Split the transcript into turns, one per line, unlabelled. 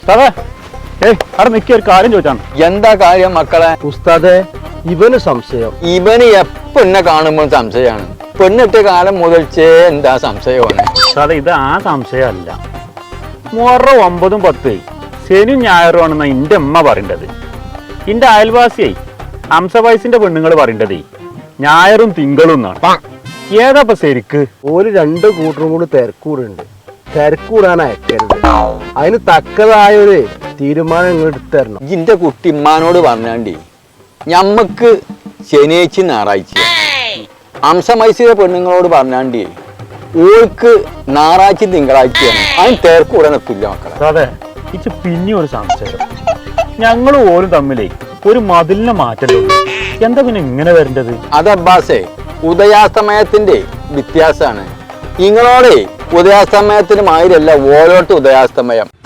അവിടെ നിൽക്കിയ ഒരു കാര്യം ചോദിച്ചാണ്.
എന്താ കാര്യം മക്കളെ?
ഉസ്താദെ, ഇവന് സംശയം.
ഇവന് എന്നെ കാണുമ്പോൾ സംശയമാണ്. പെണ്ണിട്ട കാലം മുതൽച്ചേ എന്താ സംശയമാണ്.
ഉസ്താദെ, ഇത് ആ സംശയമല്ല. മുഹറം 9, 10 ശനിയും ഞായറും ആണെന്നാ എന്റെ അമ്മ പറയേണ്ടത്. എന്റെ അയൽവാസിയായി ഹംസവയസിന്റെ പെണ്ണുങ്ങൾ പറയേണ്ടതേ ഞായറും തിങ്കളും എന്നാണ്. ഏതാപ്പ ശരിക്ക്?
ഒരു 2 കൂട്ടരും കൂടി തിരക്കൂടുണ്ട്. തിരക്കൂടാൻ അയക്കരുത്. അതിന് തക്കതായ ഒരു തീരുമാനം നിങ്ങൾ എടുത്തരണം.
ഇന്റെ കുട്ടി ഇമ്മാനോട് പറഞ്ഞാണ്ടി ഞമ്മക്ക് ശനിയാഴ്ച ഞായറാഴ്ച, ഹംസമൈസിലെ പെണ്ണുങ്ങളോട് പറഞ്ഞാണ്ടി ഓൾക്ക് ഞായറാഴ്ച തിങ്കളാഴ്ചയാണ്. അതിന് തിരക്കൂടാൻ എത്തില്ല മക്കളെ.
അതെ, ഇത് പിന്നെ ഒരു സംശയം. ഞങ്ങൾ ഓരും തമ്മിലേ ഒരു മതിലിനെ മാറ്റല്ലോ. എന്താ പിന്നെ ഇങ്ങനെ വരേണ്ടത്?
അത് അബ്ബാസേ, ഉദയാസ്തമയത്തിന്റെ വ്യത്യാസമാണ്. നിങ്ങളോടെ ഉദയാസ്തമയത്തിന് മാതിരല്ല ഓരോട്ട് ഉദയാസ്തമയം.